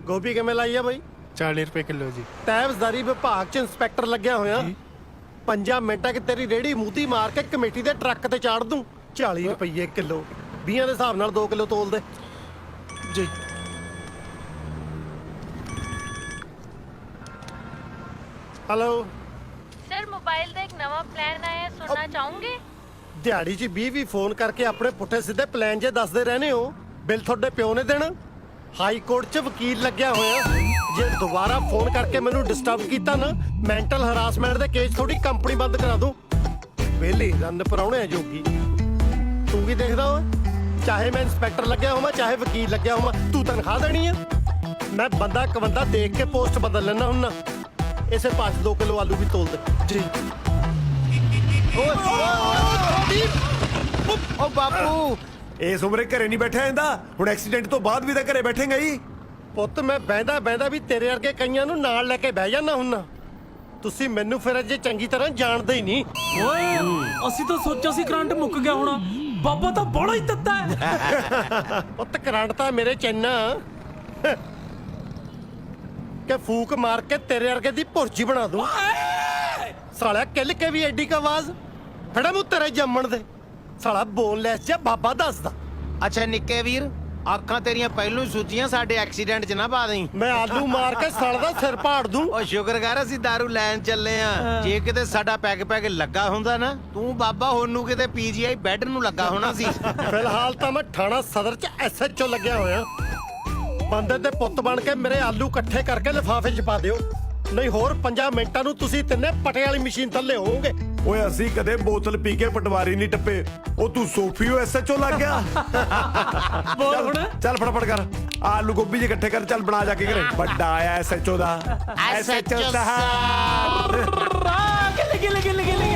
ਗੋਭੀ ਕਿਵੇਂ ਲਾਈ ਆ ਬਈ? 40 ਰੁਪਏ ਕਿਲੋ ਜੀ। ਤੈਬਜ਼ਦਾਰੀ ਵਿਭਾਗ 'ਚ ਇੰਸਪੈਕਟਰ ਲੱਗਿਆ ਹੋਇਆ। 5 ਮਿੰਟਾਂ 'ਚ ਤੇਰੀ ਰੇੜੀ ਮੂਤੀ ਮਾਰ ਕੇ ਕਮੇਟੀ ਦੇ ਟਰੱਕ ਤੇ ਚਾੜ ਦੂੰ। 40 ਰੁਪਏ ਕਿਲੋ, 20 ਦੇ ਹਿਸਾਬ ਨਾਲ 2 ਕਿਲੋ ਤੋਲ ਦੇ ਜੀ। ਹੈਲੋ सर मोबाइल का एक नवा प्लान आया है, सुनना चाहोगे? ਦਿਹਾੜੀ 'ਚ 20 ਫੋਨ ਕਰਕੇ ਆਪਣੇ ਪੁੱਠੇ ਸਿੱਧੇ ਪਲਾਨ ਜੇ ਦੱਸਦੇ ਰਹਿੰਦੇ ਹੋ। ਬਿੱਲ ਤੁਹਾਡੇ ਪਿਓ ਨੇ ਦੇਣਾ। ਹਾਈ ਕੋਰਟ 'ਚ ਵਕੀਲ ਲੱਗਿਆ ਹੋਇਆ। ਜੇ ਦੁਬਾਰਾ ਫੋਨ ਕਰਕੇ ਮੈਨੂੰ ਡਿਸਟਰਬ ਕੀਤਾ ਨਾ, ਮੈਂਟਲ ਹਰਾਸਮੈਂਟ ਦੇ ਕੇਸ ਤੁਹਾਡੀ ਕੰਪਨੀ ਬੰਦ ਕਰਾ ਦੂੰ। ਵਿਹਲੇ ਰੰਨ ਪਰਾਉਣੇ ਜੋਗੀ। ਤੂੰ ਕੀ ਦੇਖਦਾ ਓਏ? ਚਾਹੇ ਮੈਂ ਇੰਸਪੈਕਟਰ ਲੱਗਿਆ ਹੋਵਾਂ, ਚਾਹੇ ਵਕੀਲ ਲੱਗਿਆ ਹੋਵਾਂ, ਤੂੰ ਤਨਖਾਹ ਦੇਣੀ ਆ। ਮੈਂ ਬੰਦਾ ਕਵੰਦਾ ਦੇਖ ਕੇ ਪੋਸਟ ਬਦਲ ਲੈਣਾ ਹੁੰਨਾ। ਇਸੇ ਪਾਸ 2 ਕਿਲੋ ਆਲੂ ਵੀ ਤੋਲ ਦੇ ਜੀ। ਓ ਬਾਪੂ, ਇਸ ਉਮਰੇ ਘਰੇ ਨਹੀਂ ਬੈਠਿਆ ਜਾਂਦਾ। ਹੁਣ ਐਕਸੀਡੈਂਟ ਤੋਂ ਬਾਅਦ ਵੀ ਤਾਂ ਘਰੇ ਬੈਠੇਗਾ ਹੀ। ਪੁੱਤ ਮੈਂ ਬਹਿੰਦਾ ਵੀ ਤੇਰੇ ਵਰਗੇ ਕਈਆਂ ਨੂੰ ਨਾਲ ਲੈ ਕੇ ਬਹਿ ਜਾਣਾ ਹੁੰਨਾ। ਤੁਸੀਂ ਮੈਨੂੰ ਫਿਰ ਅਜੇ ਚੰਗੀ ਤਰ੍ਹਾਂ ਜਾਣਦੇ ਹੀ ਨਹੀਂ। ਓਏ ਅਸੀਂ ਤਾਂ ਸੋਚਿਆ ਸੀ ਕਰੰਟ ਮੁੱਕ ਗਿਆ ਹੋਣਾ। ਬਾਬਾ ਤਾਂ ਬੜਾ ਹੀ ਤੱਤਾ ਹੈ। ਪੁੱਤ ਕਰੰਟ ਤਾਂ ਮੇਰੇ ਚੈਨਾ ਕਿ ਫੂਕ ਮਾਰ ਕੇ ਤੇਰੇ ਵਰਗੇ ਦੀ ਭੁਰਜੀ ਬਣਾ ਦੂੰ। ਸਾਲਿਆ ਕਿੱਲ ਕੇ ਵੀ ਐਡੀ ਕ ਆਵਾਜ਼ ਫੜਾ ਮੂੰ ਤੇਰੇ ਜੰਮਣ ਦੇ। ਸਾਲਾ ਬੋਨਲੈਸ ਜਿਹਾ ਬਾਬਾ ਦੱਸਦਾ। ਅੱਛਾ ਨਿੱਕੇ ਵੀਰ, ਅੱਖਾਂ ਤੇਰੀਆਂ ਪਹਿਲੋਂ ਹੀ ਸੁੱਜੀਆਂ, ਸਾਡੇ ਐਕਸੀਡੈਂਟ 'ਚ ਨਾ ਪਾ ਦੇਈਂ। ਮੈਂ ਆਲੂ ਮਾਰ ਕੇ ਸਾਲ ਦਾ ਸਿਰ ਪਾੜ ਦੂੰ। ਓ ਸ਼ੁਕਰ ਕਰ ਅਸੀਂ ਦਾਰੂ ਲੈਣ ਚੱਲੇ ਆ। ਜੇ ਕਿਤੇ ਸਾਡਾ ਪੈਗ ਲੱਗਾ ਹੁੰਦਾ ਨਾ, ਤੂੰ ਬਾਬਾ ਹੁਣ ਨੂੰ ਕਿਤੇ ਪੀਜੀਆਈ ਬੈੱਡ ਨੂੰ ਲੱਗਾ ਹੋਣਾ ਸੀ। ਫਿਲਹਾਲ ਤਾਂ ਮੈਂ ਥਾਣਾ ਸਦਰ 'ਚ ਐਸਐਚਓ ਲੱਗਿਆ ਹੋਇਆ। ਬੰਦੇ ਦੇ ਪੁੱਤ ਬਣ ਕੇ ਮੇਰੇ ਆਲੂ ਇਕੱਠੇ ਕਰਕੇ ਲਿਫਾਫੇ 'ਚ ਪਾ ਦਿਓ, ਨਹੀਂ ਹੋਰ 5 ਮਿੰਟਾਂ ਨੂੰ ਤੁਸੀਂ ਤਿੰਨੇ ਪਟੇ ਵਾਲੀ ਮਸ਼ੀਨ ਥੱਲੇ ਹੋਵੋਗੇ। ਓਏ ਅਸੀਂ ਕਦੇ ਬੋਤਲ ਪੀ ਕੇ ਪਟਵਾਰੀ ਨਹੀਂ ਟੱਪੇ। ਉਹ ਤੂੰ ਸੋਫੀਓ ਐਸਐਚਓ ਲੱਗ ਗਿਆ। ਬੋਲ ਹੁਣ। ਚੱਲ ਫਟਾਫਟ ਕਰ, ਆਲੂ ਗੋਭੀ ਜੇ ਇਕੱਠੇ ਕਰ, ਚੱਲ ਬਣਾ ਜਾ ਕੇ ਘਰੇ। ਵੱਡਾ ਆਇਆ ਐਸਐਚਓ ਦਾ। ਐਸਐਚਓ ਸਾਹਿਬ ਗਿੱਲੇ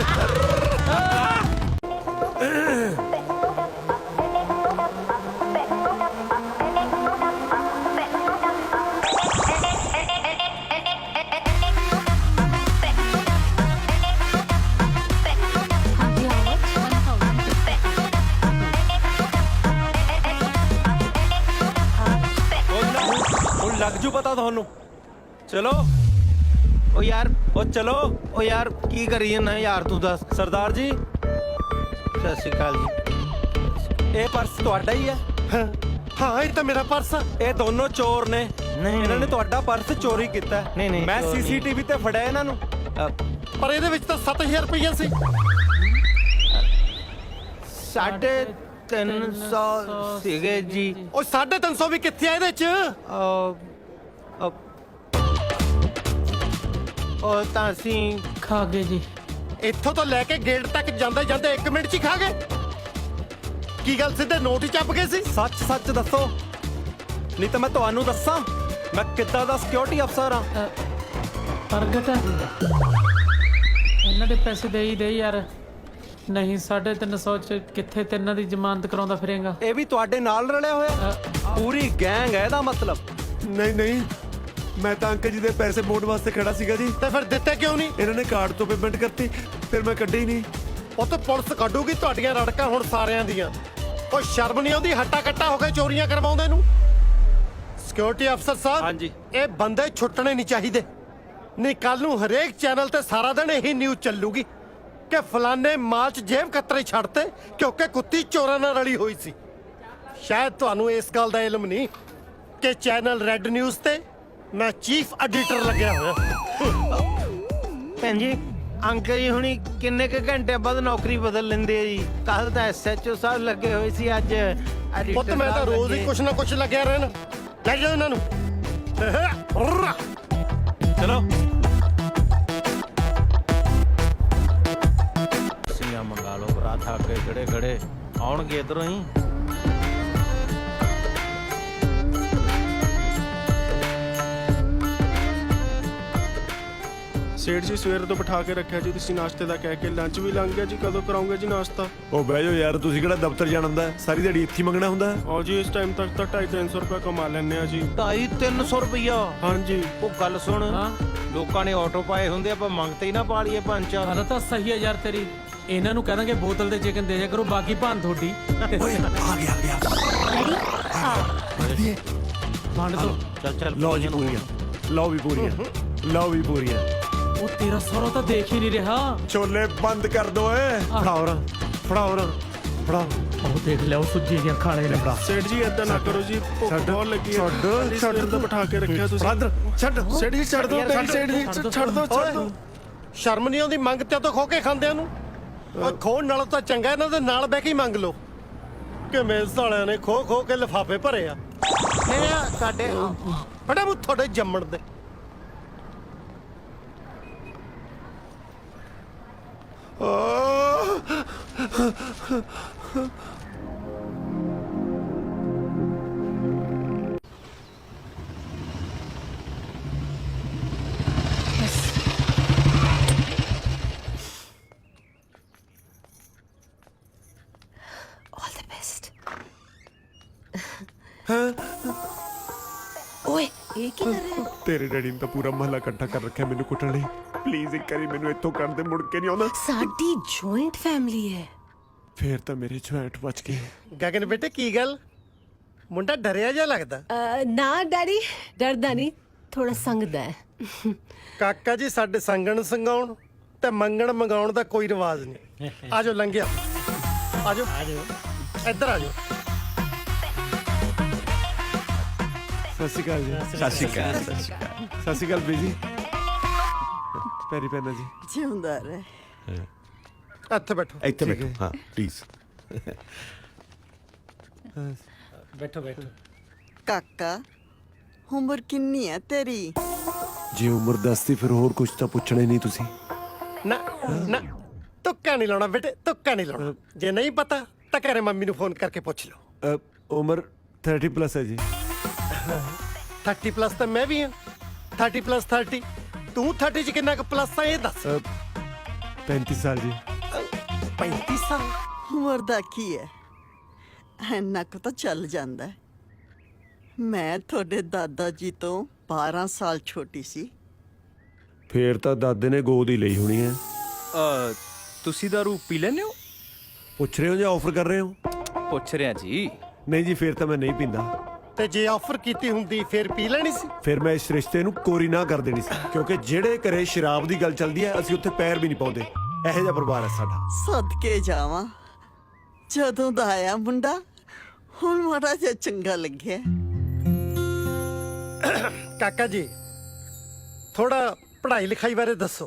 ਹੁਣ ਲੱਗ ਜੂ ਪਤਾ ਤੁਹਾਨੂੰ। ਚਲੋ ਓ ਯਾਰ, ਉਹ ਚਲੋ। ਓ ਯਾਰ ਕੀ ਕਰੀ ਜਾਂਦਾ ਯਾਰ, ਤੂੰ ਦੱਸ। ਸਰਦਾਰ ਜੀ, ਸਤਿ ਸ਼੍ਰੀ ਅਕਾਲ ਜੀ। ਇਹ ਪਰਸ ਤੁਹਾਡਾ ਹੀ ਹੈ? ਹਾਂ ਇਹ ਤਾਂ ਮੇਰਾ ਪਰਸ ਆ। ਇਹ ਦੋਨੋਂ ਚੋਰ ਨੇ। ਇਹਨਾਂ ਨੇ ਤੁਹਾਡਾ ਪਰਸ ਚੋਰੀ ਕੀਤਾ ਹੈ। ਨਹੀਂ, ਮੈਂ ਚੋਰ ਨਹੀਂ। ਸੀਸੀਟੀਵੀ ਤੇ ਫੜਿਆ ਇਹਨਾਂ ਨੂੰ। ਪਰ ਇਹਦੇ ਵਿੱਚ ਤਾਂ 7000 ਰੁਪਈਆ ਸੀ। 350 ਸੀਗੇ ਜੀ। ਉਹ 350 ਵੀ ਕਿੱਥੇ ਆ ਇਹਦੇ 'ਚ? ਉਹ ਤਾਂ ਅਸੀਂ ਖਾ ਗਏ ਜੀ। ਇੱਥੋਂ ਤੋਂ ਲੈ ਕੇ ਗੇਟ ਤੱਕ ਜਾਂਦੇ 1 ਮਿੰਟ 'ਚ ਹੀ ਖਾ ਗਏ। ਕੀ ਗੱਲ ਸਿੱਧੇ ਨੋਟ ਹੀ ਚੱਪ ਗਏ ਸੀ? ਸੱਚ ਦੱਸੋ, ਨਹੀਂ ਤਾਂ ਮੈਂ ਤੁਹਾਨੂੰ ਦੱਸਾਂ ਮੈਂ ਕਿੱਦਾਂ ਦਾ ਸਿਕਿਉਰਿਟੀ ਅਫਸਰ ਹਾਂ। ਪ੍ਰਗਟ ਇਹਨਾਂ ਦੇ ਪੈਸੇ ਦੇ ਯਾਰ। ਨਹੀਂ 350 ਚ ਕਿੱਥੇ ਤਿੰਨਾਂ ਦੀ ਜ਼ਮਾਨਤ ਕਰਾਉਂਦਾ ਫਿਰੇਗਾ। ਇਹ ਵੀ ਤੁਹਾਡੇ ਨਾਲ ਰਲਿਆ ਹੋਇਆ? ਪੂਰੀ ਗੈਂਗ ਹੈ ਇਹਦਾ ਮਤਲਬ। ਨਹੀਂ, ਮੈਂ ਤਾਂ ਅੰਕਲ ਜੀ ਦੇ ਪੈਸੇ ਮੋੜ ਵਾਸਤੇ ਖੜਾ ਸੀਗਾ ਜੀ। ਤੇ ਫਿਰ ਦਿੱਤੇ ਕਿਉਂ ਨਹੀਂ? ਇਹਨਾਂ ਨੇ ਕਾਰਡ ਤੋਂ ਪੇਮੈਂਟ ਕਰਤੀ, ਫਿਰ ਮੈਂ ਕੱਢੀ ਨਹੀਂ। ਉਹ ਤਾਂ ਪੁਲਿਸ ਕੱਢੂਗੀ ਤੁਹਾਡੀਆਂ ਰੜਕਾਂ ਹੁਣ ਸਾਰਿਆਂ ਦੀਆਂ। ਉਹ ਸ਼ਰਮ ਨਹੀਂ ਆਉਂਦੀ ਹੱਟਾ ਕੱਟਾ ਹੋ ਕੇ ਚੋਰੀਆਂ ਕਰਵਾਉਂਦੇ ਨੂੰ? ਸਿਕਿਉਰਿਟੀ ਅਫਸਰ ਸਾਹਿਬ, ਹਾਂਜੀ। ਇਹ ਬੰਦੇ ਛੁੱਟਣੇ ਨਹੀਂ ਚਾਹੀਦੇ। ਨਹੀਂ ਕੱਲ ਨੂੰ ਹਰੇਕ ਚੈਨਲ ਤੇ ਸਾਰਾ ਦਿਨ ਇਹੀ ਨਿਊਜ਼ ਚੱਲੂਗੀ ਕਿ ਫਲਾਣੇ ਮਾਲ 'ਚ ਜੇਬ ਕਤਰੇ ਛੱਡਤੇ ਕਿਉਂਕਿ ਕੁੱਤੀ ਚੋਰਾਂ ਨਾਲ ਰਲੀ ਹੋਈ ਸੀ। ਸ਼ਾਇਦ ਤੁਹਾਨੂੰ ਇਸ ਗੱਲ ਦਾ ਇਲਮ ਨਹੀਂ ਕਿ ਚੈਨਲ ਰੈੱਡ ਨਿਊਜ਼ ਤੇ ਮੈਂ ਚੀਫ ਐਡੀਟਰ ਲੱਗਿਆ ਹੋਇਆ। ਭੈਣ ਜੀ, ਅੰਕਲ ਜੀ ਹੁਣੀ ਕਿੰਨੇ ਕੁ ਘੰਟੇ ਬਾਅਦ ਨੌਕਰੀ ਬਦਲ ਲੈਂਦੇ ਆ ਜੀ। ਕੱਲ ਤਾਂ ਐਸਐਚਓ ਸਾਹਿਬ ਲੱਗੇ ਹੋਏ ਸੀ, ਅੱਜ ਪੁੱਤ ਮੈਂ ਤਾਂ ਰੋਜ਼ ਹੀ ਕੁਛ ਨਾ ਕੁਛ ਲੱਗਿਆ ਰਹਿਣਾ। ਲੈ ਜਾਓ ਇਹਨਾਂ ਨੂੰ। ਚਲੋ ਸੀਆਂ ਮੰਗਾ ਲਓ, ਪਰਾਠਾ ਅੱਗੇ ਖੜੇ ਖੜੇ ਆਉਣਗੇ ਇਧਰੋਂ ਹੀ। ਸੇਠ ਜੀ ਸਵੇਰ ਤੋਂ ਬਿਠਾ ਕੇ ਰੱਖਿਆ ਜੀ, ਤੁਸੀਂ ਨਾਸ਼ਤੇ ਦਾ ਕਹਿ ਕੇ ਲੰਚ ਵੀ ਲੰਘ ਗਿਆ ਜੀ। ਕਦੋਂ ਕਰਾਉਂਗੇ ਜੀ ਨਾਸ਼ਤਾ? ਉਹ ਬਹਿ ਜਾਓ ਯਾਰ, ਤੁਸੀਂ ਕਿਹੜਾ ਦਫ਼ਤਰ ਜਾਣਾ ਹੁੰਦਾ? ਸਾਰੀ ਦਿਹਾੜੀ ਇੱਥੇ ਹੀ ਮੰਗਣਾ ਹੁੰਦਾ? ਔਰ ਜੀ ਇਸ ਟਾਈਮ ਤੱਕ ਤਾਂ 250-300 ਰੁਪਏ ਕਮਾ ਲੈਂਦੇ ਆ ਜੀ। 250-300 ਰੁਪਈਆ? ਹਾਂਜੀ। ਉਹ ਗੱਲ ਸੁਣ, ਹਾਂ ਲੋਕਾਂ ਨੇ ਆਟੋ ਪਾਏ ਹੁੰਦੇ, ਆਪਾਂ ਮੰਗਤੇ ਹੀ ਨਾ ਪਾ ਲਈਏ 5-4। ਗੱਲ ਤਾਂ ਸਹੀ ਹੈ ਯਾਰ ਤੇਰੀ। ਇਹਨਾਂ ਨੂੰ ਕਹਾਂਗੇ ਬੋਤਲ ਦੇ ਚਿਕਨ ਦੇ ਜਾ ਕਰੋ, ਬਾਕੀ ਭਾਨ ਤੁਹਾਡੀ। ਓਏ ਆ ਗਿਆ ਵੰਡ ਦੋ। ਚੱਲ ਲਓ ਜੀ ਪੂਰੀਆਂ, ਲਓ ਵੀ ਪੂਰੀਆਂ, ਲਓ ਵੀ ਪੂਰੀਆਂ। ਉਹ ਤੇਰਾ ਸਹੁਰਾ ਤਾਂ ਦੇਖ ਹੀ ਨਹੀਂ ਰਿਹਾ। ਛੋਲੇ ਬੰਦ ਕਰ ਦੋ ਏ। ਫੜਾਓ ਰਾਂ, ਫੜਾਓ ਰਾਂ, ਫੜਾਓ। ਉਹ ਦੇਖ ਲਿਆ, ਉਹ ਸੁੱਜੀ ਦੀਆਂ ਖਾਣੇ ਨੇ। ਸੇਠ ਜੀ ਏਦਾਂ ਨਾ ਕਰੋ ਜੀ, ਭੁੱਖ ਬਹੁਤ ਲੱਗੀ ਹੈ। ਛੱਡ, ਛੱਡ ਤਾਂ ਬਿਠਾ ਕੇ ਰੱਖਿਆ ਤੁਸੀਂ। ਬਰਾਦਰ ਛੱਡ। ਸੇਠ ਜੀ ਛੱਡ ਦੋ, ਸੇਠ ਜੀ ਛੱਡ ਦੋ, ਛੱਡ ਦੋ। ਸ਼ਰਮ ਨਹੀਂ ਆਉਂਦੀ ਮੰਗਤੇ ਤੋਂ ਖੋ ਕੇ ਖਾਂਦਿਆਂ ਨੂੰ? ਉਹ ਖੋਣ ਨਾਲੋਂ ਤਾਂ ਚੰਗਾ ਇਹਨਾਂ ਦੇ ਨਾਲ ਬਹਿ ਕੇ ਹੀ ਮੰਗ ਲਓ। ਕਿਵੇਂ ਸਾਲਿਆਂ ਨੇ ਖੋ ਖੋ ਕੇ ਲਿਫਾਫੇ ਭਰੇ ਆ। ਇਹ ਸਾਡੇ ਫੜਾ ਮੂੰ ਤੁਹਾਡੇ ਜੰਮਣ ਦੇ। All the best. ਓਏ ਇਹ ਕੀ ਕਰ ਰਿਹਾ? ਤੇਰੇ ਡੈਡੀ ਨੇ ਤਾਂ ਪੂਰਾ ਮਹੱਲਾ ਇਕੱਠਾ ਕਰ ਰੱਖਿਆ ਮੈਨੂੰ ਕੁੱਟਣ ਲਈ। ਪਲੀਜ਼ ਇੱਕ ਵਾਰੀ ਮੈਨੂੰ ਇੱਥੋਂ ਕੱਢ ਦੇ, ਮੁੜ ਕੇ ਨਹੀਂ ਆਉਂਦਾ। ਸਾਡੀ ਜੁਆਇੰਟ ਫੈਮਿਲੀ ਹੈ। ਫੇਰ ਤਾਂ ਮੇਰੇ ਛੁਆਟ ਬਚ ਗਏ। ਗਗਨ ਬੇਟੇ ਕੀ ਗੱਲ, ਮੁੰਡਾ ਡਰਿਆ ਜਿਹਾ ਲੱਗਦਾ। ਨਾ ਡੈਡੀ, ਡਰਦਾ ਨਹੀਂ, ਥੋੜਾ ਸੰਗਦਾ ਹੈ। ਕਾਕਾ ਜੀ ਸਾਡੇ ਸੰਗਣ ਸੰਗਾਉਣ ਤੇ ਮੰਗਣ ਮੰਗਾਉਣ ਦਾ ਕੋਈ ਰਿਵਾਜ ਨਹੀਂ। ਆਜੋ ਲੰਘਿਆ, ਆਜੋ ਇੱਧਰ ਆਜੋ। ਸਤਿ ਸ਼੍ਰੀ ਅਕਾਲ ਜੀ। ਸਤਿ ਸ਼੍ਰੀ ਅਕਾਲ। ਸਤਿ ਸ਼੍ਰੀ ਅਕਾਲ ਬੀਜੀ। ਪੈਰੀ ਪੈਣਾ ਜੀ। ਜਿਉਂਦਾ ਰਹਿ। ਇੱਥੇ ਬੈਠੋ। ਇੱਥੇ ਬੈਠੋ। ਹਾਂ ਪਲੀਜ਼। ਬੈਠੋ ਬੈਠੋ। ਕਾਕਾ ਉਮਰ ਕਿੰਨੀ ਹੈ ਤੇਰੀ? ਜੇ ਉਮਰ ਦੱਸਦੀ ਫਿਰ ਹੋਰ ਕੁਝ ਤਾਂ ਪੁੱਛਣਾ ਹੀ ਨਹੀਂ ਤੁਸੀਂ। ਨਾ ਨਾ ਤੁੱਕਾ ਨਹੀਂ ਲਾਉਣਾ ਬੇਟੇ, ਤੁੱਕਾ ਨਹੀਂ ਲਾਉਣਾ। ਜੇ ਨਹੀਂ ਪਤਾ ਤਾਂ ਘਰੇ ਮੰਮੀ ਨੂੰ ਫੋਨ ਕਰਕੇ ਪੁੱਛ ਲਓ। ਉਮਰ 30+ ਹੈ ਜੀ। 30+ ਤਾਂ ਮੈਂ ਵੀ ਹਾਂ। 30+ 30 ਤੂੰ 30 ਚ ਕਿੰਨਾ ਕੁ ਪਲੱਸ ਆ ਇਹ ਦੱਸ। 35 ਸਾਲ ਜੀ। 35 ਸਾਲ? ਉਮਰ ਦਾ ਕੀ ਹੈ, ਇੰਨਾ ਕੁ ਤਾਂ ਚੱਲ ਜਾਂਦਾ ਹੈ। ਮੈਂ ਤੁਹਾਡੇ ਦਾਦਾ ਜੀ ਤੋਂ 12 ਸਾਲ ਛੋਟੀ ਸੀ। ਫੇਰ ਤਾਂ ਦਾਦੇ ਨੇ ਗੋਦ ਹੀ ਲਈ ਹੋਣੀ ਹੈ। ਤੁਸੀਂ ਦਾਰੂ ਪੀ ਲੈਂਦੇ ਹੋ? ਪੁੱਛ ਰਹੇ ਹੋ ਜਾਂ ਆਫਰ ਕਰ ਰਹੇ ਹੋ? ਪੁੱਛ ਰਿਹਾ ਜੀ। ਨਹੀਂ ਜੀ, ਫੇਰ ਤਾਂ ਮੈਂ ਨਹੀਂ ਪੀਂਦਾ। ਤੇ ਜੇ ਆਫਰ ਕੀਤੀ ਹੁੰਦੀ ਫੇਰ ਪੀ ਲੈਣੀ ਸੀ। ਫਿਰ ਮੈਂ ਇਸ ਰਿਸ਼ਤੇ ਨੂੰ ਕੋਰੀ ਨਾ ਕਰ ਦੇਣੀ ਸੀ, ਕਿਉਂਕਿ ਜਿਹੜੇ ਘਰੇ ਸ਼ਰਾਬ ਦੀ ਗੱਲ ਚੱਲਦੀ ਹੈ ਅਸੀਂ ਉੱਥੇ ਪੈਰ ਵੀ ਨਹੀਂ ਪਾਉਂਦੇ। ਇਹੋ ਜਿਹਾ ਪਰਿਵਾਰ ਹੈ ਸਾਡਾ। ਸਦਕੇ ਜਾਵਾਂ, ਜਦੋਂ ਦਾ ਆਇਆ ਮੁੰਡਾ ਹੁਣ ਮਾੜਾ ਜਿਹਾ ਚੰਗਾ ਲੱਗਿਆ। ਕਾਕਾ ਜੀ ਥੋੜਾ ਪੜ੍ਹਾਈ ਲਿਖਾਈ ਬਾਰੇ ਦੱਸੋ।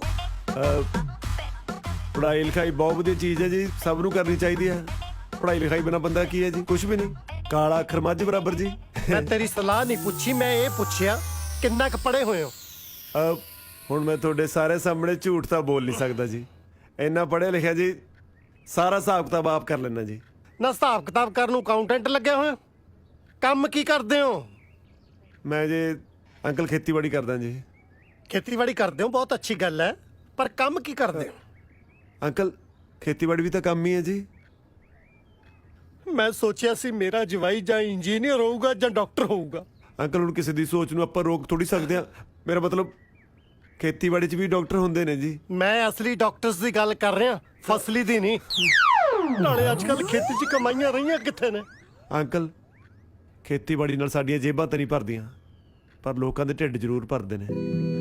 ਪੜ੍ਹਾਈ ਲਿਖਾਈ ਬਹੁਤ ਵਧੀਆ ਚੀਜ਼ ਹੈ ਜੀ, ਸਭ ਨੂੰ ਕਰਨੀ ਚਾਹੀਦੀ ਹੈ। ਪੜ੍ਹਾਈ ਲਿਖਾਈ ਬਿਨਾਂ ਬੰਦਾ ਕੀ ਹੈ ਜੀ? ਕੁਝ ਵੀ ਨਹੀਂ। ਕਾਲਾ ਅੱਖਰ ਮੱਝ ਬਰਾਬਰ ਜੀ। ਮੈਂ ਤੇਰੀ ਸਲਾਹ ਨਹੀਂ ਪੁੱਛੀ, ਮੈਂ ਇਹ ਪੁੱਛਿਆ ਕਿੰਨਾ ਕੁ ਪੜ੍ਹੇ ਹੋਏ ਹੋ। ਹੁਣ ਮੈਂ ਤੁਹਾਡੇ ਸਾਰੇ ਸਾਹਮਣੇ ਝੂਠ ਤਾਂ ਬੋਲ ਨਹੀਂ ਸਕਦਾ ਜੀ। ਇੰਨਾ ਪੜ੍ਹਿਆ ਲਿਖਿਆ ਜੀ, ਸਾਰਾ ਹਿਸਾਬ ਕਿਤਾਬ ਆਪ ਕਰ ਲੈਣਾ ਜੀ। ਨਾ ਹਿਸਾਬ ਕਿਤਾਬ ਕਰਨ ਨੂੰ ਅਕਾਊਂਟੈਂਟ ਲੱਗਿਆ ਹੋਇਆ। ਕੰਮ ਕੀ ਕਰਦੇ ਹੋ? ਮੈਂ ਜੀ ਅੰਕਲ ਖੇਤੀਬਾੜੀ ਕਰਦਾ ਜੀ। ਖੇਤੀਬਾੜੀ ਕਰਦੇ ਹੋ, ਬਹੁਤ ਅੱਛੀ ਗੱਲ ਹੈ, ਪਰ ਕੰਮ ਕੀ ਕਰਦੇ ਹੋ? ਅੰਕਲ ਖੇਤੀਬਾੜੀ ਵੀ ਤਾਂ ਕੰਮ ਹੀ ਹੈ ਜੀ। ਮੈਂ ਸੋਚਿਆ ਸੀ ਮੇਰਾ ਜਵਾਈ ਜਾਂ ਇੰਜੀਨੀਅਰ ਹੋਊਗਾ ਜਾਂ ਡਾਕਟਰ ਹੋਊਗਾ। ਅੰਕਲ ਹੁਣ ਕਿਸੇ ਦੀ ਸੋਚ ਨੂੰ ਆਪਾਂ ਰੋਕ ਥੋੜੀ ਸਕਦੇ ਆ। ਮੇਰਾ ਮਤਲਬ ਖੇਤੀਬਾੜੀ 'ਚ ਵੀ ਡਾਕਟਰ ਹੁੰਦੇ ਨੇ ਜੀ। ਮੈਂ ਅਸਲੀ ਡਾਕਟਰਸ ਦੀ ਗੱਲ ਕਰ ਰਿਹਾ, ਫਸਲੀ ਦੀ ਨਹੀਂ। ਨਾਲੇ ਅੱਜ ਕੱਲ ਖੇਤੀ 'ਚ ਕਮਾਈਆਂ ਰਹੀਆਂ ਕਿੱਥੇ ਨੇ? ਅੰਕਲ ਖੇਤੀਬਾੜੀ ਨਾਲ ਸਾਡੀਆਂ ਜੇਬਾਂ ਤਾਂ ਨਹੀਂ ਭਰਦੀਆਂ, ਪਰ ਲੋਕਾਂ ਦੇ ਢਿੱਡ ਜ਼ਰੂਰ ਭਰਦੇ ਨੇ।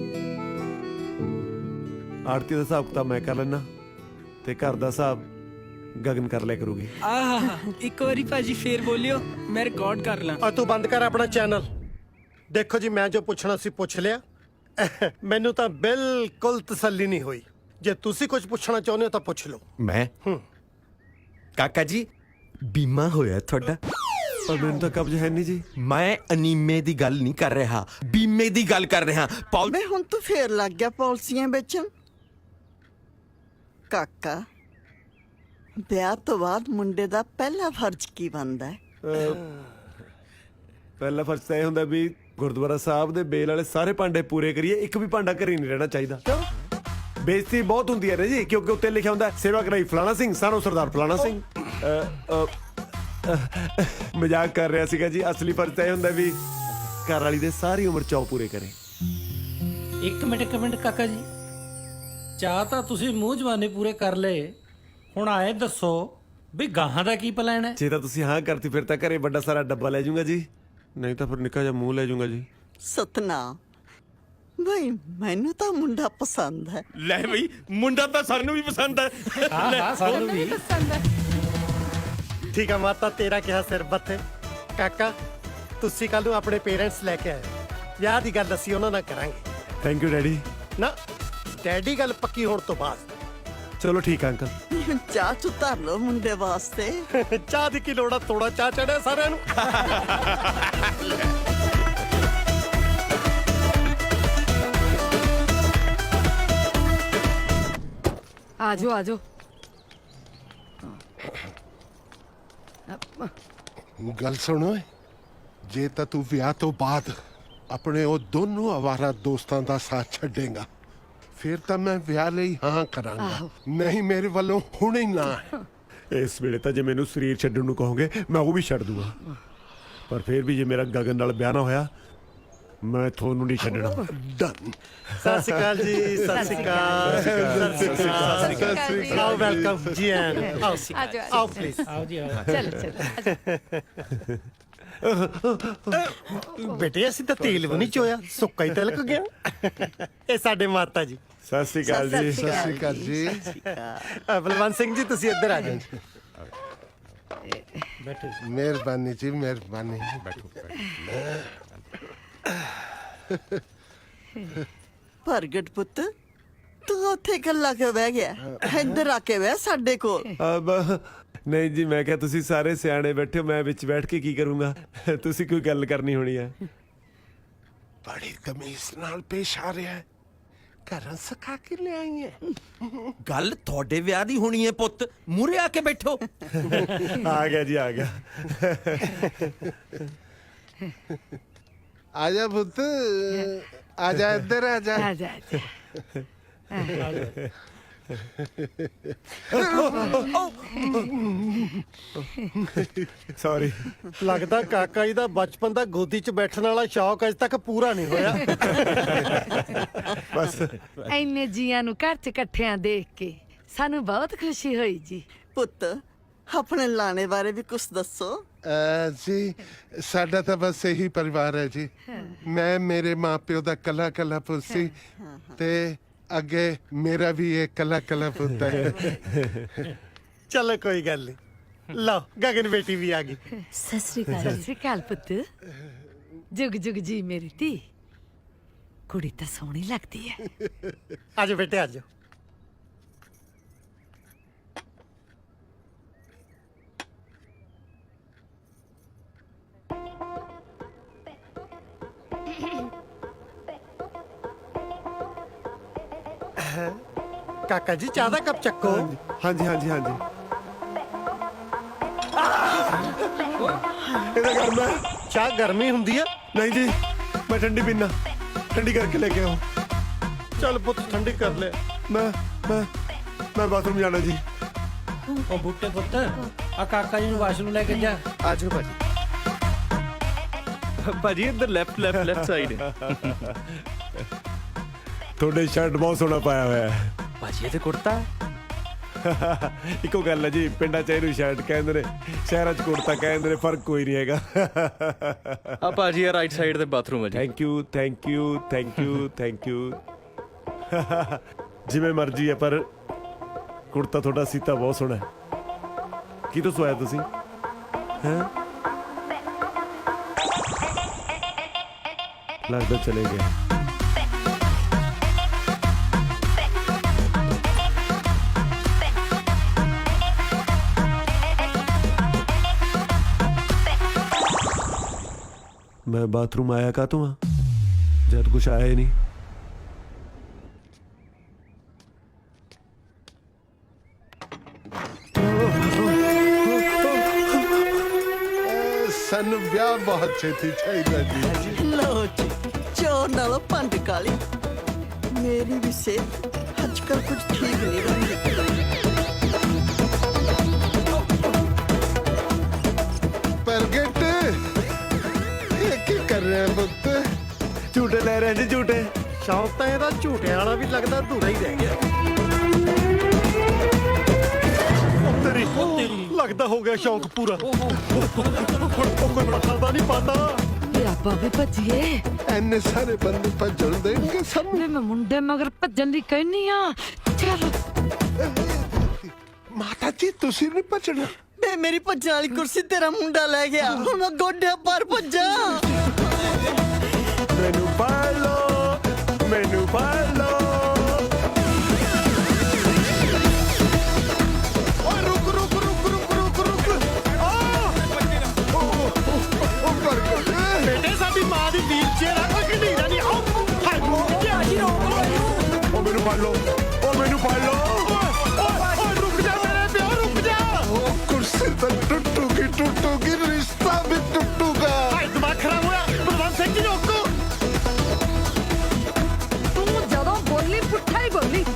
ਆੜਤੀ ਦਾ ਹਿਸਾਬ ਕਿਤਾਬ ਮੈਂ ਕਰ ਲੈਣਾ ਤੇ ਘਰ ਦਾ ਹਿਸਾਬ ਗਗਨ ਕਰ ਲਿਆ ਕਰੂਗੀ। ਇੱਕ ਵਾਰੀ ਭਾਜੀ ਫੇਰ ਬੋਲਿਓ, ਮੈਂ ਰਿਕਾਰਡ ਕਰ ਲਾਂ। ਆ ਤੂੰ ਬੰਦ ਕਰ ਆਪਣਾ ਚੈਨਲ। ਦੇਖੋ ਜੀ, ਮੈਂ ਜੋ ਪੁੱਛਣਾ ਸੀ ਪੁੱਛ ਲਿਆ। ਮੈਨੂੰ ਤਾਂ ਬਿਲਕੁਲ ਤਸੱਲੀ ਨਹੀਂ ਹੋਈ। ਜੇ ਤੁਸੀਂ ਕੁਝ ਪੁੱਛਣਾ ਚਾਹੁੰਦੇ ਹੋ ਤਾਂ ਪੁੱਛ ਲਓ। ਮੈਂ ਕਾਕਾ ਜੀ ਬੀਮਾ ਹੋਇਆ ਤੁਹਾਡਾ? ਪਰ ਮੈਨੂੰ ਤਾਂ ਕਬਜ਼ ਹੈ ਨਹੀਂ ਜੀ। ਮੈਂ ਅਨੀਮੇ ਦੀ ਗੱਲ ਨਹੀਂ ਕਰ ਰਿਹਾ, ਬੀਮੇ ਦੀ ਗੱਲ ਕਰ ਰਿਹਾ। ਵੇ ਹੁਣ ਤੂੰ ਫੇਰ ਲੱਗ ਗਿਆ ਪਾਲਿਸੀਆਂ ਵੇਚਣ। ਕਾਕਾ ਵਿਆਹ ਤੋਂ ਬਾਅਦ ਮੁੰਡੇ ਦਾ ਪਹਿਲਾ ਫਰਜ਼ ਕੀ ਬਣਦਾ ਹੈ? ਪਹਿਲਾ ਫਰਜ਼ ਤਾਂ ਇਹ ਹੁੰਦਾ ਵੀ ਗੁਰਦੁਆਰਾ ਸਾਹਿਬ ਦੇ ਬੇਲ ਵਾਲੇ ਸਾਰੇ ਭਾਂਡੇ ਪੂਰੇ ਕਰੀਏ, ਇੱਕ ਵੀ ਭਾਂਡਾ ਘਰੇ ਨਹੀਂ ਰਹਿਣਾ ਚਾਹੀਦਾ। ਬੇਇੱਜ਼ਤੀ ਬਹੁਤ ਹੁੰਦੀ ਹੈ ਨਾ ਜੀ, ਕਿਉਂਕਿ ਉੱਤੇ ਲਿਖਿਆ ਹੁੰਦਾ ਸੇਵਾ ਕਰਾਈ ਫਲਾਣਾ ਸਿੰਘ, ਸਾਨੂੰ ਸਰਦਾਰ ਫਲਾਣਾ ਸਿੰਘ। ਮਜ਼ਾਕ ਕਰ ਰਿਹਾ ਸੀਗਾ ਜੀ। ਅਸਲੀ ਫਰਜ਼ ਤਾਂ ਇਹ ਹੁੰਦਾ ਵੀ ਘਰ ਵਾਲੀ ਦੇ ਸਾਰੀ ਉਮਰ ਚੌ ਪੂਰੇ ਕਰੇ। ਇੱਕ ਮਿੰਟ ਕਾਕਾ ਜੀ, ਚਾਹ ਤਾਂ ਤੁਸੀਂ ਮੂੰਹ ਜਵਾਨੇ ਪੂਰੇ ਕਰ ਲਏ, ਹੁਣ ਆਏ ਦੱਸੋ ਵੀ ਗਾਹਾਂ ਦਾ ਕੀ ਪਲਾਨ ਹੈ? ਜੇ ਤਾਂ ਤੁਸੀਂ ਹਾਂ ਕਰਤੀ ਫਿਰ ਤਾਂ ਘਰੇ ਵੱਡਾ ਸਾਰਾ ਡੱਬਾ ਲੈ ਜਾਊਂਗਾ ਜੀ। ਨਹੀਂ ਤਾਂ ਫਿਰ ਨਿੱਕਾ ਜਿਹਾ ਮੂੰਹ ਲੈ ਜਾਊਂਗਾ ਜੀ। ਸਤਨਾਮ ਬਈ ਮੈਨੂੰ ਤਾਂ ਮੁੰਡਾ ਪਸੰਦ ਹੈ। ਲੈ ਬਈ ਮੁੰਡਾ ਤਾਂ ਸਾਨੂੰ ਵੀ ਪਸੰਦ ਹੈ। ਹਾਂ ਸਾਨੂੰ ਵੀ ਠੀਕ ਆ ਮਾਤਾ, ਤੇਰਾ ਕਿਹਾ ਸਿਰ ਬੱਥੇ। ਕਾਕਾ ਤੁਸੀਂ ਕੱਲ ਨੂੰ ਆਪਣੇ ਪੇਰੈਂਟਸ ਲੈ ਕੇ ਆਏ, ਵਿਆਹ ਦੀ ਗੱਲ ਅਸੀਂ ਉਹਨਾਂ ਨਾਲ ਕਰਾਂਗੇ। Thank you daddy. ਨਾ ਡੈਡੀ ਗੱਲ ਪੱਕੀ ਹੋਣ ਤੋਂ ਬਾਅਦ। ਚਲੋ ਠੀਕ ਆ ਅੰਕਲ। ਚਾਹ ਚੁ ਧਰ ਲਓ ਮੁੰਡੇ ਵਾਸਤੇ। ਚਾਹ ਦੀ ਕੀ ਲੋੜ ਆ, ਥੋੜਾ ਚਾਹ ਚੜਿਆ ਸਾਰਿਆਂ ਨੂੰ। ਆਜੋ ਆਜੋ। ਗੱਲ ਸੁਣ ਓਏ, ਜੇ ਤਾਂ ਤੂੰ ਵਿਆਹ ਤੋਂ ਬਾਅਦ ਆਪਣੇ ਉਹ ਦੋਨੋਂ ਆਵਾਰਾ ਦੋਸਤਾਂ ਦਾ ਸਾਥ ਛੱਡੇਗਾ, ਫਿਰ ਤਾਂ ਮੈਂ ਵਿਆਹ ਲਈ ਹਾਂ ਕਰਾਂਗਾ, ਨਹੀਂ ਮੇਰੇ ਵੱਲੋਂ ਹੁਣੇ ਹੀ ਨਾ ਹੈ। ਇਸ ਵੇਲੇ ਤਾਂ ਜੇ ਮੈਨੂੰ ਸਰੀਰ ਛੱਡਣ ਨੂੰ ਕਹੋਗੇ ਮੈਂ ਉਹ ਵੀ ਛੱਡ ਦੂੰਗਾ, ਪਰ ਫਿਰ ਵੀ ਜੇ ਮੇਰਾ ਗਗਨ ਨਾਲ ਵਿਆਹ ਨਾ ਹੋਇਆ ਮੈਂ ਤੁਹਾਨੂੰ ਨਹੀਂ ਛੱਡਣਾ। ਡਨ। ਸਤਿ ਸ਼੍ਰੀ ਅਕਾਲ ਜੀ। ਸਤਿ ਸ਼੍ਰੀ ਅਕਾਲ। ਸਤਿ ਸ਼੍ਰੀ ਅਕਾਲ। ਆਓ ਵੈਲਕਮ ਜੀ ਐਨ ਆਓ ਆਓ ਪਲੀਜ਼। ਆਓ ਜੀ ਆਓ। ਬੇਟੇ ਅਸੀਂ ਤਾਂ ਤੇਲ ਵੀ ਨਹੀਂ ਚੋਇਆ, ਸੁੱਕਾ ਹੀ ਤਿਲਕ ਗਿਆ। ਇਹ ਸਾਡੇ ਮਾਤਾ ਜੀ। ਸਤਿ ਸ਼੍ਰੀ ਅਕਾਲ ਜੀ। ਸਤਿ ਸ਼੍ਰੀ ਅਕਾਲ ਜੀ। ਬਲਵੰਤ ਸਿੰਘ ਜੀ ਤੁਸੀਂ ਇੱਧਰ ਆ ਜਾਓ। ਬੈਠੋ ਜੀ। ਮਿਹਰਬਾਨੀ ਜੀ, ਮਿਹਰਬਾਨੀ। ਬੈਠੋ। ਪ੍ਰਗਟ ਪੁੱਤ ਤੂੰ ਉੱਥੇ ਗੱਲਾਂ ਕਿਉਂ ਬਹਿ ਗਿਆ? ਇੱਧਰ ਆ ਕੇ ਬਹਿ ਸਾਡੇ ਕੋਲ। ਨਹੀਂ ਜੀ, ਮੈਂ ਕਿਹਾ ਤੁਸੀਂ ਸਾਰੇ ਸਿਆਣੇ ਬੈਠੇ ਹੋ, ਮੈਂ ਵਿੱਚ ਬੈਠ ਕੇ ਕੀ ਕਰੂੰਗਾ? ਤੁਸੀਂ ਕੋਈ ਗੱਲ ਕਰਨੀ ਹੋਣੀ ਹੈ। ਬੜੀ ਤਮੀਜ਼ ਨਾਲ ਪੇਸ਼ ਆ ਰਿਹਾ ਹੈ, ਘਰਾਂ ਸਕਾ ਕੇ ਲੈ ਆਈ ਹੈ। ਗੱਲ ਤੁਹਾਡੇ ਵਿਆਹ ਦੀ ਹੋਣੀ ਹੈ ਪੁੱਤ, ਮੂਰੇ ਆ ਕੇ ਬੈਠੋ। ਆ ਗਿਆ ਜੀ, ਆ ਗਿਆ। ਆ ਜਾ ਪੁੱਤ, ਆ ਜਾ ਇੱਧਰ ਆ ਜਾ। ਸੌਰੀ। ਲੱਗਦਾ ਕਾਕਾ ਜੀ ਦਾ ਬਚਪਨ ਦਾ ਗੋਦੀ 'ਚ ਬੈਠਣ ਵਾਲਾ ਸ਼ੌਕ ਅਜੇ ਤੱਕ ਪੂਰਾ ਨਹੀਂ ਹੋਇਆ। ਬਸ ਐਨੇ ਜੀਆਂ ਨੂੰ ਘਰ 'ਚ ਇਕੱਠਿਆਂ ਦੇਖ ਕੇ ਸਾਨੂੰ ਬਹੁਤ ਖੁਸ਼ੀ ਹੋਈ ਜੀ। ਪੁੱਤ ਆਪਣੇ ਲਾਣੇ ਬਾਰੇ ਵੀ ਕੁਝ ਦੱਸੋ। ਜੀ ਸਾਡਾ ਤਾਂ ਬਸ ਇਹੀ ਪਰਿਵਾਰ ਹੈ ਜੀ। ਮੈਂ ਮੇਰੇ ਮਾਪਿਓ ਦਾ ਕੱਲਾ ਕੱਲਾ ਪੁੱਤ ਸੀ, ਤੇ ਅੱਗੇ ਮੇਰਾ ਵੀ ਇਹ ਕੱਲਾ ਕੱਲਾ ਪੁੱਤ ਹੈ। ਚਲੋ ਕੋਈ ਗੱਲ ਨਹੀਂ, ਲਓ ਗਗਨ ਬੇਟੀ ਵੀ ਆ ਗਈ। ਸਤਿ ਸ੍ਰੀ ਅਕਾਲ ਪੁੱਤ। ਜੁਗ ਜੁਗ ਜੀ ਮੇਰੀ ਧੀ, ਕੁੜੀ ਤਾਂ ਸੋਹਣੀ ਲੱਗਦੀ ਹੈ। ਆਜੋ ਬੇਟੇ ਆਜੋ। ਕਾਕਾ ਜੀ ਚਾਹ ਦਾ ਕੱਪ ਚੱਕੋ। ਹਾਂਜੀ ਹਾਂਜੀ ਹਾਂਜੀ। ਇਹਦਾ ਕੰਮ ਹੈ। ਚਾਹ ਗਰਮੀ ਹੁੰਦੀ ਆ। ਨਹੀਂ ਜੀ, ਮੈਂ ਠੰਡੀ ਪੀਣਾ, ਠੰਡੀ ਕਰਕੇ ਲੈ ਕੇ ਆਓ। ਚੱਲ ਪੁੱਤ ਠੰਡੀ ਕਰ ਲੈ। ਮੈਂ ਬਾਥਰੂਮ ਜਾਣਾ ਜੀ। ਉਹ ਬੁੱਟੇ ਪੁੱਤ, ਆ ਕਾਕਾ ਜੀ ਨੂੰ ਵਾਸ਼ਰੂਮ ਲੈ ਕੇ ਜਾ। ਆਜੋ ਭਾਜੀ। ਭਾਜੀ ਇੱਧਰ ਲੈਫਟ ਸਾਈਡ ਹੈ। ਤੁਹਾਡੇ ਸ਼ਰਟ ਬਹੁਤ ਸੋਹਣਾ ਪਾਇਆ ਹੋਇਆ ਹੈ। ਭਾਜੀ ਇਹ ਤੇ ਕੁੜਤਾ। ਇੱਕੋ ਗੱਲ ਹੈ ਜੀ, ਪਿੰਡਾਂ 'ਚ ਇਹਨੂੰ ਸ਼ਰਟ ਕਹਿੰਦੇ ਨੇ, ਸ਼ਹਿਰਾਂ 'ਚ ਕੁੜਤਾ ਕਹਿੰਦੇ ਨੇ, ਫਰਕ ਕੋਈ ਨਹੀਂ ਹੈਗਾ। ਆ ਭਾਜੀ ਇਹ ਰਾਈਟ ਸਾਈਡ ਤੇ ਬਾਥਰੂਮ ਹੈ ਜੀ। Thank you thank you thank you thank you. ਜਿਵੇਂ ਮਰਜ਼ੀ ਹੈ, ਪਰ ਕੁੜਤਾ ਤੁਹਾਡਾ ਸੀਤਾ ਬਹੁਤ ਸੋਹਣਾ ਹੈ। ਕੀ ਤੋਂ ਸਵਾਇਆ ਤੁਸੀਂ? ਹੈਂ? ਲੱਗਦਾ ਚਲੇ ਗਏ। मैं बाथरूम आया का तू जब कुछ आया ही नहीं। ਸਾਨੂੰ ਵਿਆਹ ਬਹੁਤ ਛੇਤੀ ਚਾਹੀਦਾ ਜੀ। ਲਓ ਜੀ, ਚੋਰ ਨਾਲੋਂ ਭੰਡ ਕਾਲੀ। ਮੇਰੀ ਵੀ ਸਿਹਤ ਅੱਜ ਕੱਲ੍ਹ ਕੁਝ ਠੀਕ ਨਹੀਂ ਰਹੀ। ਪ੍ਰਗਟ ਇਹ ਕੀ ਕਰ ਰਿਹਾ ਪੁੱਤ? झूठे ले रहे हैं जी झूठे। ਸ਼ੌਕ ਤਾਂ ਇਹਦਾ ਝੂਟਿਆਂ ਵਾਲਾ ਵੀ ਲੱਗਦਾ ਅਧੂਰਾ ਹੀ ਰਹਿ ਗਿਆ। ਉਹ ਤੇਰੀ ਲੱਗਦਾ ਹੋ ਗਿਆ ਸ਼ੌਕ ਪੂਰਾ। ਹੁਣ ਕੋਈ ਪੱਠਾ ਤਾਂ ਨਹੀਂ ਪਾਤਾ। ਵੀ ਆਪਾਂ ਵੀ ਭੱਜੀਏ। ਐਨੇ ਸਾਰੇ ਬੰਦੇ ਭੱਜਣ ਦੇਣਗੇ ਸਾਨੂੰ। ਮੈਂ ਮੁੰਡੇ ਮਗਰ ਭੱਜਣ ਦੀ ਕਹਿਨੀ ਆ। ਚਲ ਮਾਤਾ ਜੀ ਤੁਸੀਂ ਨਹੀਂ ਭੱਜਣਾ। ਬੇ ਮੇਰੀ ਭੱਜਣ ਵਾਲੀ ਕੁਰਸੀ ਤੇਰਾ ਮੁੰਡਾ ਲੈ ਗਿਆ, ਹੁਣ ਮੈਂ ਗੋਡਿਆਂ ਪਰ ਭੱਜਾਂ। ਮੈਨੂੰ ਫੜ ਲਓ, ਮੈਨੂੰ ਫੜ ਲਓ। ਓਏ ਰੁਕ ਰੁਕ ਰੁਕ ਰੁਕ ਰੁਕ ਰੁਕ। ਬੇਟੇ ਸਾਡੀ ਮਾਂ ਦੀ ਵੀਲ ਚੇਅਰ ਆ, ਕੋਈ ਢੀਰਾ ਨਹੀਂ। ਆਓ ਹਾਏ ਮੋਕਿਆ ਜੀ, ਰੋਕ ਲਓ। ਉਹ ਮੈਨੂੰ ਫੜ ਲਓ, ਉਹ ਮੈਨੂੰ ਫੜ ਲਓ। ਓਏ ਰੁਕ ਜਾ ਮੇਰੇ ਪਿਓ, ਰੁਕ ਜਾ। ਉਹ ਕੁਰਸੀ ਤਾਂ ਟੁੱਟੂਗੀ, ਰਿਸ਼ਤਾ ਵੀ ਟੁੱਟੂਗਾ। ਹਾਏ ਦਿਮਾਗ ਖਰਾਬ ਹੋਇਆ, ਬਲਵੰਤ ਸਿੰਘ ਜੀ ਰੋਕੋ। ਤੂੰ ਜਦੋਂ ਬੋਲੀ ਪੁੱਠਾ ਹੀ ਬੋਲੀ।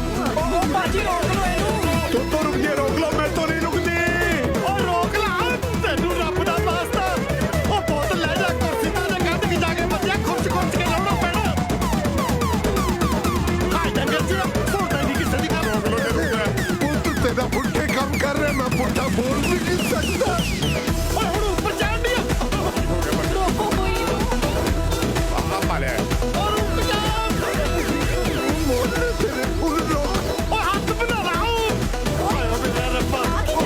ਤੂੰ ਰੁਕ ਜੇ, ਰੋਕ ਲਓ, ਮੈਂ ਤੋਂ ਨਹੀਂ ਰੁਕਦੀ। ਓ ਰੋਕ ਲਾ, ਤੈਨੂੰ ਰੱਬ ਦਾ ਵਾਸਤਾ। ਉਹ ਬੋਤਲ ਲੈ ਜਾ, ਕੁਰਸੀ ਤਾਂ ਦੇ ਗੱਦ ਕੀ ਜਾ ਕੇ ਬੱਜਿਆ, ਖੁਰਚ ਖੁਰਚ ਕੇ ਲਾਉਣਾ ਪੈਣਾ। ਹਾਏ ਡੰਗਰ ਜੀ, ਸੁਣਦਾ ਨਹੀਂ ਕਿਸੇ ਦੀ ਗੱਲ। ਪੁੱਤ ਤੇਰਾ ਪੁੱਠੇ ਕੰਮ ਕਰ ਰਿਹਾ, ਮੈਂ ਪੁੱਠਾ ਬੋਲ ਵੀ ਨਹੀਂ ਸਕਦਾ। ਓਏ ਹੁਣ ਉੱਪਰ ਚੜ੍ਹ ਨਹੀਂ ਰੋਕੋ ਕੋਈ। ਓ ਰੁਕ ਜਾ। ਮੋਢੇ ਤੇਰੇ ਫੁੱਲ ਰੋਕ। ਓ ਹੱਥ ਬਣਾ ਲਾ। ਓਏ ਓ ਮੇਰਾ ਰੱਬਾ।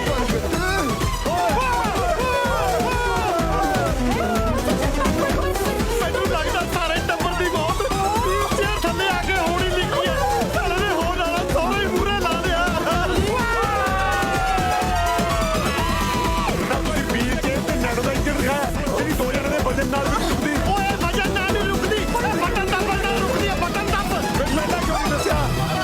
ਮੈਨੂੰ ਲੱਗਦਾ ਸਾਰੇ ਟੱਬਰ ਦੀ ਮੌਤ ਵੀਲਚੇਅਰ ਥੱਲੇ ਆ ਕੇ ਹੋਣੀ ਲਿਖੀ ਹੈ। ਸਾਲੇ ਨੇ ਹੋਰ ਵਾਲਾ ਸਹੁਰੇ ਹੀ ਮੂਹਰੇ ਲਾ ਲਿਆ। ਨਾ ਤੁਸੀਂ ਵੀਰ ਜੇ ਤੇ ਨੜ ਦਾ ਇੰਜਣ ਦਿਖਾਇਆ, ਜਿਹੜੀ ਦੋ ਜਣੇ ਦੇ ਵਜਨ ਨਾਲ ਵੀ ਟੁੱਟਦੀ। ਓਏ ਵਜਨ ਨਾਲ ਨਹੀਂ ਰੁਕਦੀ, ਬਟਨ ਦੱਬਣ ਨਾਲ ਰੁਕਦੀ ਹੈ, ਬਟਨ ਦੱਬ। ਮੈਨੂੰ ਇਹਦਾ ਕਿਉਂ ਨਹੀਂ ਦੱਸਿਆ?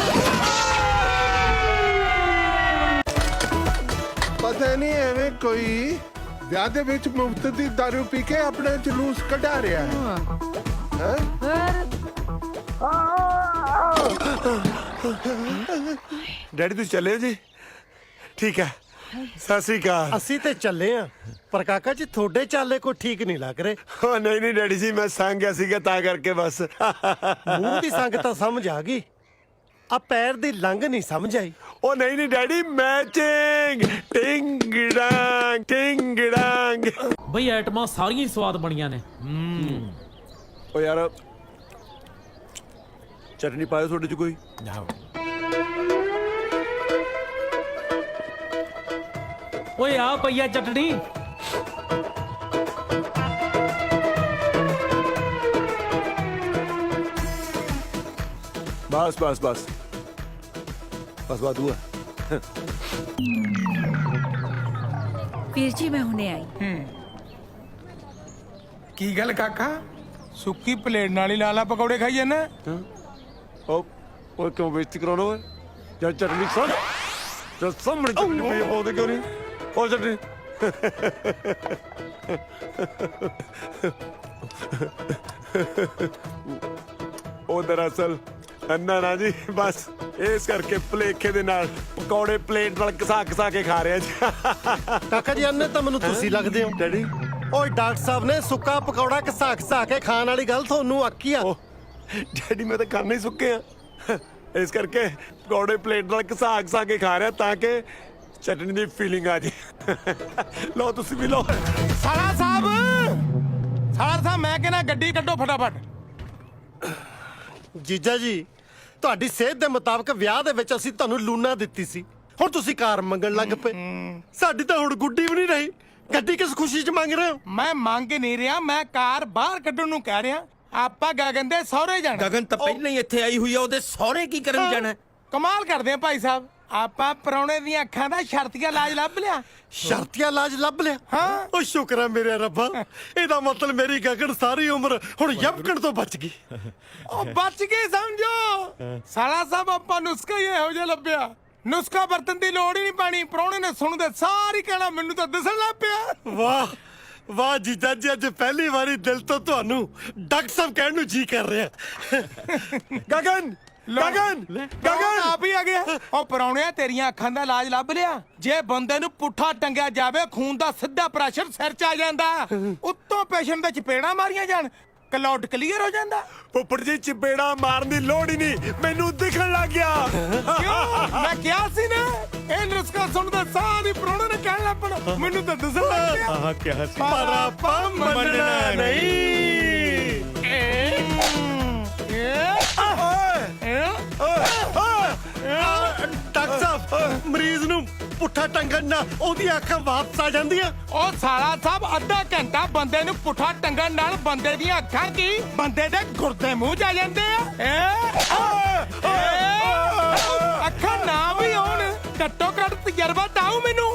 ਪਤਾ ਨਹੀਂ ਐਵੇਂ ਕੋਈ ਵਿਆਹ ਦੇ ਵਿੱਚ ਮੁਫਤ ਦੀ ਦਾਰੂ ਪੀ ਕੇ ਆਪਣਾ ਜਲੂਸ ਕਢਾ ਰਿਹਾ ਹੈ। ਡੈਡੀ ਤੁਸੀਂ ਚੱਲੇ ਹੋ ਜੀ? ਠੀਕ ਹੈ, ਸਤਿ ਸ੍ਰੀ ਅਕਾਲ। ਅਸੀਂ ਤੇ ਚੱਲੇ ਆ, ਪਰ ਕਾਕਾ ਜੀ ਤੁਹਾਡੇ ਚਾਲੇ ਕੋਈ ਠੀਕ ਨਹੀਂ ਲੱਗ ਰਹੇ। ਉਹ ਨਹੀਂ ਨਹੀਂ ਡੈਡੀ ਜੀ, ਮੈਂ ਸੰਗ ਗਿਆ ਸੀਗਾ ਤਾਂ ਕਰਕੇ ਬਸ। ਮੂੰਹ ਦੀ ਸੰਗ ਤਾਂ ਸਮਝ ਆ ਗਈ, ਆ ਪੈਰ ਦੀ ਲੰਘ ਨਹੀਂ ਸਮਝ ਆਈ। ਉਹ ਨਹੀਂ ਨਹੀਂ ਡੈਡੀ, ਮੈਚਿੰਗ ਟਿੰਗ ਡਾਂਗ ਟਿੰਗ ਡਾਂਗ। ਬਈ ਆਈਟਮਾਂ ਸਾਰੀਆਂ ਹੀ ਸਵਾਦ ਬਣੀਆਂ ਨੇ। ਉਹ ਯਾਰ ਚਟਨੀ ਪਾਇਓ ਤੁਹਾਡੇ ਚ ਕੋਈ? ਓਏ ਆ ਪਈਆ ਚਟਣੀ। ਬਸ ਬਸ ਬਸ ਬਸ ਵਾਦੂਆ। ਵੀਰ ਜੀ ਮੈਂ ਹੁਣੇ ਆਈ। ਕੀ ਗੱਲ ਕਾਕਾ, ਸੁੱਕੀ ਪਲੇਟ ਨਾਲ ਹੀ ਲਾਲਾ ਪਕੌੜੇ ਖਾਈ ਜਾਂਦਾ? ਉਹ ਕਿਉਂ ਬੇਇੱਜ਼ਤੀ ਕਰਾਉਣਾ ਓਏ? ਜਦ ਚਟਨੀ ਸੁਣ, ਜਦ ਸਾਹਮਣੇ ਚਟਨੀ ਪਈ ਆ, ਪਾਉਂਦੇ ਕਿਉਂ ਨਹੀਂ? ਉਹ ਚਟਨੀ ਉਹ ਦਰਅਸਲ ਅੰਨਾ ਨਾ ਜੀ, ਬਸ ਇਸ ਕਰਕੇ ਭੁਲੇਖੇ ਦੇ ਨਾਲ ਪਕੌੜੇ ਪਲੇਟ ਨਾਲ ਘਸਾ ਕੇ ਖਾ ਰਿਹਾ ਜੀ। ਕਾਕਾ ਜੀ ਅੰਨੇ ਤਾਂ ਮੈਨੂੰ ਤੁਸੀਂ ਲੱਗਦੇ ਹੋ। ਡੈਡੀ ਓਏ ਡਾਕਟਰ ਸਾਹਿਬ ਨੇ ਸੁੱਕਾ ਪਕੌੜਾ ਘਸਾ ਕੇ ਖਾਣ ਵਾਲੀ ਗੱਲ ਤੁਹਾਨੂੰ ਆਖੀ ਆ। ਡੈਡੀ ਮੈਂ ਤਾਂ ਖਾਣੇ ਹੀ ਸੁੱਕੇ ਆ, ਇਸ ਕਰਕੇ ਪਕੌੜੇ ਪਲੇਟ ਨਾਲ ਘਸਾ ਕੇ ਖਾ ਰਿਹਾ ਤਾਂ ਕਿ ਚਟਨੀ ਦੀ ਫੀਲਿੰਗ ਆ ਜੇ। ਲਓ ਤੁਸੀਂ ਵੀ ਲਓ। ਸਾਲਾ ਸਾਹਿਬ, ਮੈਂ ਕਹਿੰਦਾ ਗੱਡੀ ਕੱਢੋ ਫਟਾਫਟ। ਜੀਜਾ ਜੀ, ਤੁਹਾਡੀ ਸਿਹਤ ਦੇ ਮੁਤਾਬਕ ਵਿਆਹ ਦੇ ਵਿੱਚ ਅਸੀਂ ਤੁਹਾਨੂੰ ਲੂਣਾ ਦਿੱਤੀ ਸੀ, ਹੁਣ ਤੁਸੀਂ ਕਾਰ ਮੰਗਣ ਲੱਗ ਪਏ। ਸਾਡੀ ਤਾਂ ਹੁਣ ਗੁੱਡੀ ਵੀ ਨਹੀਂ ਰਹੀ, ਗੱਡੀ ਕਿਸ ਖੁਸ਼ੀ 'ਚ ਮੰਗ ਰਹੇ ਹੋ? ਮੈਂ ਮੰਗ ਨਹੀਂ ਰਿਹਾ, ਮੈਂ ਕਾਰ ਬਾਹਰ ਕੱਢਣ ਨੂੰ ਕਹਿ ਰਿਹਾ। ਆਪਾਂ ਗਗਨ ਦੇ ਸਹੁਰੇ ਜਾਣਾ। ਗਗਨ ਤਾਂ ਪਹਿਲਾਂ ਹੀ ਇੱਥੇ ਆਈ ਹੋਈ ਆ, ਉਹਦੇ ਸਹੁਰੇ ਕੀ ਕਰਨ ਜਾਣਾ? ਕਮਾਲ ਕਰਦੇ ਆ ਭਾਈ ਸਾਹਿਬ, ਆਪਾਂ ਪਰੌਣੇ ਦੀਆਂ ਅੱਖਾਂ ਦਾ ਸ਼ਰਤੀਆ ਇਲਾਜ ਲੱਭ ਲਿਆ। ਸ਼ਰਤੀਆ ਇਲਾਜ ਲੱਭ ਲਿਆ? ਹਾਂ। ਉਹ ਸ਼ੁਕਰ ਹੈ ਮੇਰੇ ਰੱਬਾ, ਇਹਦਾ ਮਤਲਬ ਮੇਰੀ ਗਗਨ ਸਾਰੀ ਉਮਰ ਹੁਣ ਯਮਕਣ ਤੋਂ ਬਚ ਗਈ। ਉਹ ਬਚ ਗਏ ਸਮਝੋ। ਸਾਲਾ ਸਾਹਿਬ ਆਪਾਂ ਨੁਸਖਾ ਹੀ ਇਹੋ ਜਿਹਾ ਲੱਭਿਆ, ਨੁਸਖਾ ਵਰਤਨ ਦੀ ਲੋੜ ਹੀ ਨਹੀਂ ਪੈਣੀ। ਪਰੌਣੇ ਨੇ ਸੁਣਦੇ ਸਾਰੀ ਕਹਿਣਾ ਮੈਨੂੰ ਤਾਂ ਦਿਸਣ ਲੱਗ ਪਿਆ। ਵਾਹ ਵਾਹ ਜੀਜਾ ਜੀ, ਅੱਜ ਪਹਿਲੀ ਵਾਰੀ ਦਿਲ ਤੋਂ ਤੁਹਾਨੂੰ ਡਾਕਟਰ ਸਾਹਿਬ ਕਹਿਣ ਨੂੰ ਜੀ ਕਰ ਰਿਹਾ। ਗਗਨ ਗਗਨ ਆਪ ਹੀ ਆ ਗਿਆ। ਉਹ ਪਰੌਣਿਆ, ਤੇਰੀਆਂ ਅੱਖਾਂ ਦਾ ਇਲਾਜ ਲੱਭ ਲਿਆ। ਜੇ ਬੰਦੇ ਨੂੰ ਪੁੱਠਾ ਟੰਗਿਆ ਜਾਵੇ, ਖੂਨ ਦਾ ਸਿੱਧਾ ਪ੍ਰੈਸ਼ਰ ਸਿਰ 'ਚ ਆ ਜਾਂਦਾ, ਉੱਤੋਂ ਪੇਸ਼ੈਂਟ ਦੇ ਚਪੇੜਾਂ ਮਾਰੀਆਂ ਜਾਣ, ਕਲਾਉਡ ਕਲੀਅਰ ਹੋ ਜਾਂਦਾ। ਫੁੱਫੜ ਜੀ ਚਪੇੜਾ ਮਾਰਨ ਦੀ ਲੋੜ ਹੀ ਨਹੀਂ, ਮੈਨੂੰ ਦਿਖਣ ਲੱਗ ਗਿਆ। ਕਿਉਂ? ਮੈਂ ਕਿਹਾ ਸੀ ਨਾ ਇਹ ਨੁਸਖਾ ਸੁਣਦਾ ਸਾਰੀ ਪ੍ਰਾਹੁਣੇ ਨੇ ਕਹਿਣ ਲੱਪਣ, ਮੈਨੂੰ ਤਾਂ ਦਿਸਣ ਲੱਗ ਗਿਆ। ਆਹ ਕਿਹਾ ਸੀ ਪਰ ਆਪਾਂ ਮੰਨਣਾ ਨਹੀਂ। ਡਾਕਟਰ ਸਾਹਿਬ ਮਰੀਜ਼ ਨੂੰ ਪੁੱਠਾ ਟੰਗਣ ਨਾਲ ਉਹਦੀ ਅੱਖਾਂ ਵਾਪਸ ਆ ਜਾਂਦੀਆਂ। ਉਹ ਸਾਲਾ ਸਾਹਿਬ ਅੱਧਾ ਘੰਟਾ ਬੰਦੇ ਨੂੰ ਪੁੱਠਾ ਟੰਗਣ ਨਾਲ ਬੰਦੇ ਦੀਆਂ ਅੱਖਾਂ ਕੀ ਬੰਦੇ ਦੇ ਗੁਰਦੇ ਮੂੰਹ ਚ ਆ ਜਾਂਦੇ ਆ। ਅੱਖਾਂ ਨਾ ਵੀ ਹੋਣ ਘੱਟੋ ਘੱਟ ਤਜਰਬਾ ਤਾਉ ਮੈਨੂੰ।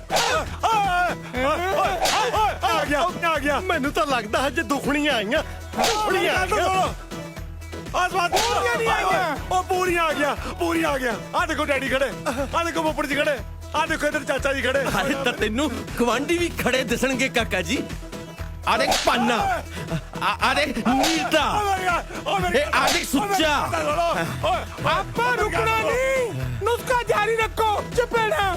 ਆ ਗਿਆ ਮੈਨੂੰ ਤਾਂ ਲੱਗਦਾ ਹਜੇ ਦੁਖਣੀਆਂ ਆਈਆਂ। ਦੁਖਣੀਆਂ ਆਈਆਂ। ਆਸਮਾਨ ਪੂਰੀਆਂ ਨਹੀਂ ਆਈਆਂ। ਉਹ ਪੂਰੀਆਂ ਆ ਗਿਆ। ਆ ਦੇਖੋ ਡੈਡੀ ਖੜੇ, ਆ ਦੇਖੋ ਫੁੱਫੜ ਜੀ ਖੜੇ, ਆ ਦੇਖੋ ਇਧਰ ਚਾਚਾ ਜੀ ਖੜੇ। ਅਰੇ ਤਾਂ ਤੈਨੂੰ ਗਵਾਂਢੀ ਵੀ ਖੜੇ ਦਿਸਣਗੇ ਕਾਕਾ ਜੀ। ਆ ਦੇਖ ਪਾਨਾ, ਆ ਦੇਖ ਨੀਲਤਾ, ਇਹ ਆ ਦੇਖ ਸੁੱਚਾ। ਆਪਾਂ ਰੁਕਣਾ ਨਹੀਂ, ਨੁਸਖਾ ਜਾਰੀ ਰੱਖੋ। ਚਪੇੜਾ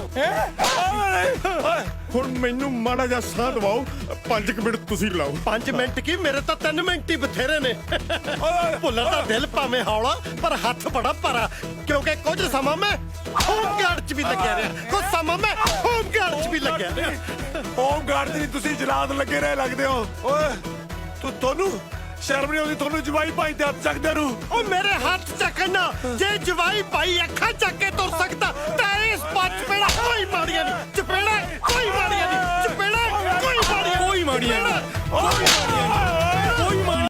ਹੁਣ ਮੈਨੂੰ ਮਾੜਾ ਜਿਹਾ ਸਾਹ ਦਵਾਓ, 5 ਮਿੰਟ ਤੁਸੀਂ ਲਾਓ। 5 ਮਿੰਟ ਕੀ, ਮੇਰੇ ਤਾਂ 3 ਮਿੰਟ ਹੀ ਬਥੇਰੇ ਨੇ। ਭੁੱਲਰ ਦਾ ਦਿਲ ਭਾਵੇਂ ਹੌਲਾ ਪਰ ਹੱਥ ਬੜਾ ਭਾਰਾ, ਕਿਉਂਕਿ ਕੁਝ ਸਮਾਂ ਮੈਂ ਹੋਮਗਾਰਡ 'ਚ ਵੀ ਲੱਗਿਆ ਰਿਹਾ, ਕੁਝ ਸਮਾਂ ਮੈਂ ਹੋਮਗਾਰਡ 'ਚ ਵੀ ਲੱਗਿਆ ਰਿਹਾ। ਹੋਮ ਗਾਰਡ ਦੀ ਤੁਸੀਂ ਜਲਾਦ ਲੱਗੇ ਰਹੇ ਲੱਗਦੇ ਹੋ। ਓਏ ਤੁਹਾਨੂੰ ਸ਼ਰਮ ਨਹੀਂ ਆਉਂਦੀ? ਤੁਹਾਨੂੰ ਜਵਾਈ ਭਾਈ ਤੇ ਹੱਥ ਚੱਕਦੇ ਨੂੰ। ਉਹ ਮੇਰੇ ਹੱਥ ਚੱਕਣਾ, ਜੇ ਜਵਾਈ ਭਾਈ ਅੱਖਾਂ ਚੱਕ ਕੇ ਤੁਰ